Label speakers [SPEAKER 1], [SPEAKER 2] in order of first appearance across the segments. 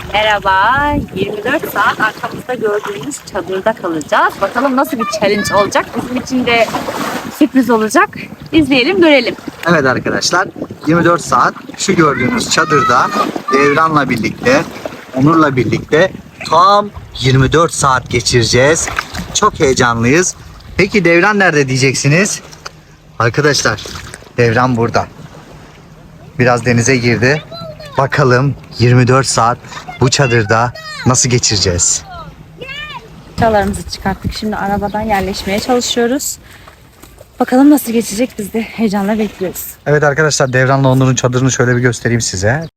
[SPEAKER 1] Merhaba, 24 saat arkamızda gördüğünüz çadırda kalacağız. Bakalım nasıl bir challenge olacak, bizim için de sürpriz olacak. İzleyelim, görelim.
[SPEAKER 2] Evet arkadaşlar, 24 saat şu gördüğünüz çadırda Devran'la birlikte, Onur'la birlikte tam 24 saat geçireceğiz. Çok heyecanlıyız. Peki Devran nerede diyeceksiniz? Arkadaşlar, Devran burada. Biraz denize girdi. Bakalım 24 saat bu çadırda nasıl geçireceğiz?
[SPEAKER 1] Eşyalarımızı çıkarttık. Şimdi arabadan yerleşmeye çalışıyoruz. Bakalım nasıl geçecek, biz de heyecanla bekliyoruz.
[SPEAKER 2] Evet arkadaşlar, Devran'la Onur'un çadırını şöyle bir göstereyim size.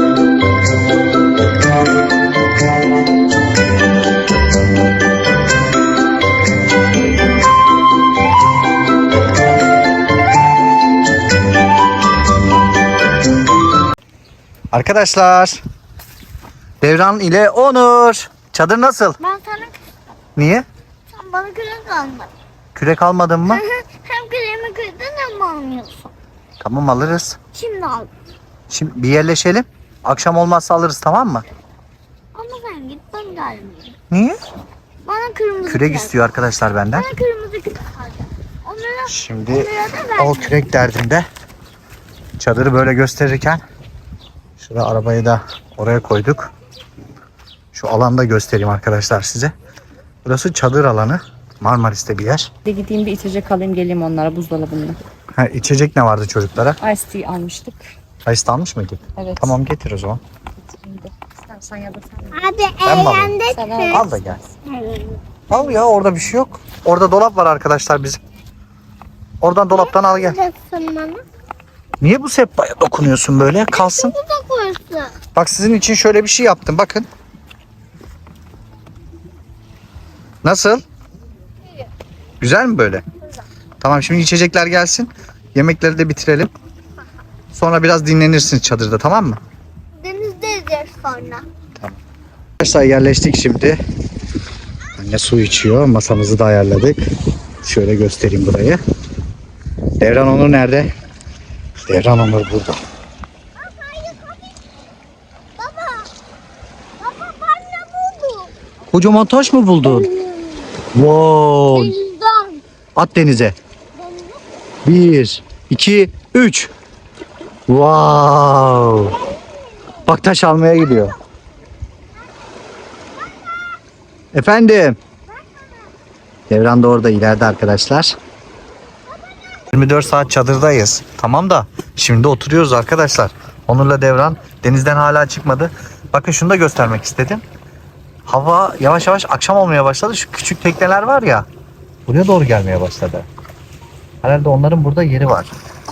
[SPEAKER 2] Arkadaşlar, Devran ile Onur. Çadır nasıl?
[SPEAKER 3] Ben sana
[SPEAKER 2] Niye?
[SPEAKER 3] sen bana kürek almadın.
[SPEAKER 2] Kürek almadın mı?
[SPEAKER 3] Hem küreğimi kırdın hem almıyorsun.
[SPEAKER 2] Tamam, alırız.
[SPEAKER 3] Şimdi al.
[SPEAKER 2] Şimdi bir yerleşelim. Akşam olmazsa alırız, tamam mı?
[SPEAKER 3] Ama sen git, ben gelmeyeyim.
[SPEAKER 2] Niye?
[SPEAKER 3] Bana kırmızı
[SPEAKER 2] Kürek istiyor arkadaşlar benden.
[SPEAKER 3] Bana kırmızı kürek alacak.
[SPEAKER 2] Şimdi
[SPEAKER 3] onlara da
[SPEAKER 2] o
[SPEAKER 3] verme.
[SPEAKER 2] kürek derdinde çadırı böyle gösterirken şurada arabayı da oraya koyduk. Şu alanda göstereyim arkadaşlar size. Burası çadır alanı. Marmaris'te bir yer.
[SPEAKER 1] Bir gideyim, bir içecek alayım, geleyim onlara buzdolabında.
[SPEAKER 2] Ha, içecek ne vardı çocuklara?
[SPEAKER 1] Ice tea almıştık.
[SPEAKER 2] Ice almış mıydık?
[SPEAKER 1] Evet.
[SPEAKER 2] Tamam, getir o zaman.
[SPEAKER 1] İstersen ya da sen.
[SPEAKER 3] Hadi
[SPEAKER 2] Ben mi alayım?
[SPEAKER 3] eğlendik
[SPEAKER 1] Sana
[SPEAKER 3] mi?
[SPEAKER 2] Al da gel. Al ya, orada bir şey yok. Orada dolap var arkadaşlar bizim. Oradan dolaptan al gel.
[SPEAKER 3] Alacaksın bana.
[SPEAKER 2] Niye bu sehpaya dokunuyorsun böyle? Kalsın.
[SPEAKER 3] Bu da koysun.
[SPEAKER 2] Bak, sizin için şöyle bir şey yaptım. Bakın. Nasıl? Güzel mi böyle? Tamam, şimdi içecekler gelsin. Yemekleri de bitirelim. Sonra biraz dinlenirsiniz çadırda, tamam mı?
[SPEAKER 3] Denizde yiyeceğiz sonra.
[SPEAKER 2] Arkadaşlar, yerleştik şimdi. Anne su içiyor. Masamızı da ayarladık. Şöyle göstereyim burayı. Devran Onur nerede? Devran Onur burada.
[SPEAKER 3] Baba ben ne buldum?
[SPEAKER 2] Kocaman taş mı buldun? Wow.
[SPEAKER 3] Denizden.
[SPEAKER 2] At denize. 1, 2, 3. Wow. Bak, taş almaya gidiyor. Efendim. Devran da orada ileride arkadaşlar. 24 saat çadırdayız. Tamam da şimdi oturuyoruz arkadaşlar. Onur'la Devran denizden hala çıkmadı. Bakın, şunu da göstermek istedim. Hava yavaş yavaş akşam olmaya başladı. Şu küçük tekneler var ya, buraya doğru gelmeye başladı. Herhalde onların burada yeri var.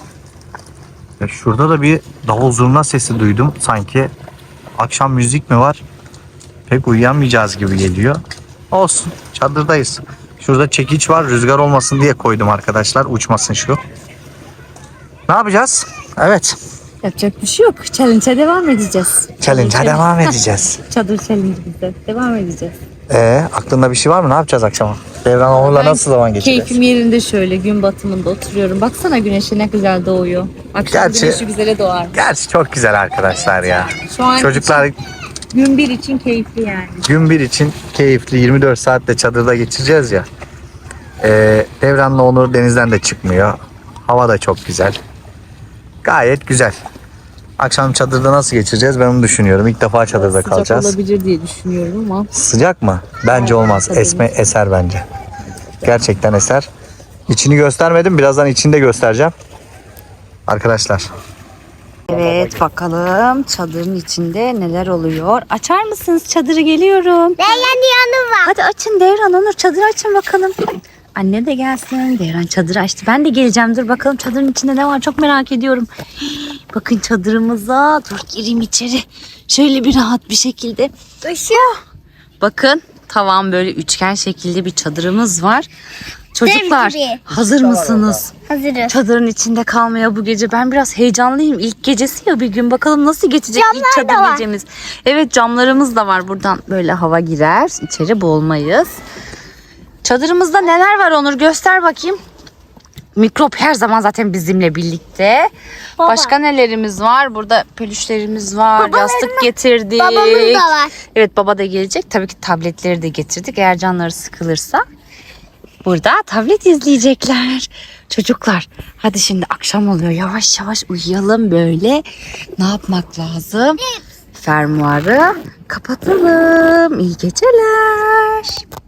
[SPEAKER 2] Ya şurada da bir davul zurna sesi duydum. Sanki akşam müzik mi var? Pek uyuyamayacağız gibi geliyor. Olsun, çadırdayız. Şurada çekiç var, rüzgar olmasın diye koydum arkadaşlar. Uçmasın şu. Ne yapacağız? Evet.
[SPEAKER 1] Yapacak bir şey yok. Challenge'a devam edeceğiz.
[SPEAKER 2] Challenge'a devam edeceğiz.
[SPEAKER 1] Çadır challenge'ımıza devam edeceğiz.
[SPEAKER 2] Aklında bir şey var mı? Ne yapacağız akşama? Devran Onur'la nasıl zaman geçireceğiz?
[SPEAKER 1] Keyfim yerinde, şöyle gün batımında oturuyorum. Baksana, güneşe ne güzel doğuyor. Akşam
[SPEAKER 2] Gerçi-
[SPEAKER 1] güneşi güzele doğar.
[SPEAKER 2] Gerçi çok güzel arkadaşlar ya.
[SPEAKER 1] Şu an
[SPEAKER 2] Çocuklar
[SPEAKER 1] gün bir için keyifli yani.
[SPEAKER 2] gün bir için keyifli, 24 saatte çadırda geçireceğiz ya. Devran'la Onur denizden de çıkmıyor. Hava da çok güzel. Gayet güzel. Akşam çadırda nasıl geçireceğiz, ben onu düşünüyorum. İlk defa çadırda
[SPEAKER 1] Sıcak
[SPEAKER 2] kalacağız.
[SPEAKER 1] olabilir diye düşünüyorum ama.
[SPEAKER 2] Sıcak mı? Bence olmaz. Eser bence. Gerçekten eser. İçini göstermedim. Birazdan içini de göstereceğim. Arkadaşlar.
[SPEAKER 1] Evet, bakalım çadırın içinde neler oluyor. Açar mısınız çadırı, geliyorum.
[SPEAKER 3] Beğen yanı var.
[SPEAKER 1] Hadi açın Devran, Onur, çadırı açın bakalım. Anne de gelsin. Devran çadırı açtı. Ben de geleceğim. Dur bakalım çadırın içinde ne var, çok merak ediyorum. Bakın çadırımıza. Dur gireyim içeri. Şöyle bir rahat bir şekilde. Bakın, tavan böyle üçgen şekilde bir çadırımız var. Çocuklar,
[SPEAKER 3] gibi.
[SPEAKER 1] hazır mısınız?
[SPEAKER 3] Hazırız.
[SPEAKER 1] Çadırın içinde kalmaya bu gece. Ben biraz heyecanlıyım. İlk gecesi ya, bir gün bakalım nasıl geçecek ilk
[SPEAKER 3] Camlar da
[SPEAKER 1] çadır
[SPEAKER 3] var.
[SPEAKER 1] gecemiz. Evet, camlarımız da var. Buradan böyle hava girer. İçeri boğulmayız. Çadırımızda neler var Onur, göster bakayım. Mikrop her zaman zaten bizimle birlikte.
[SPEAKER 3] Baba.
[SPEAKER 1] Başka nelerimiz var? Burada pelüşlerimiz var. Yastık getirdik.
[SPEAKER 3] Babamız da var.
[SPEAKER 1] Evet, baba da gelecek. Tabii ki tabletleri de getirdik. Eğer canları sıkılırsa burada tablet izleyecekler. Çocuklar hadi şimdi akşam oluyor. Yavaş yavaş uyuyalım böyle. Ne yapmak lazım? Fermuarı kapatalım. İyi geceler.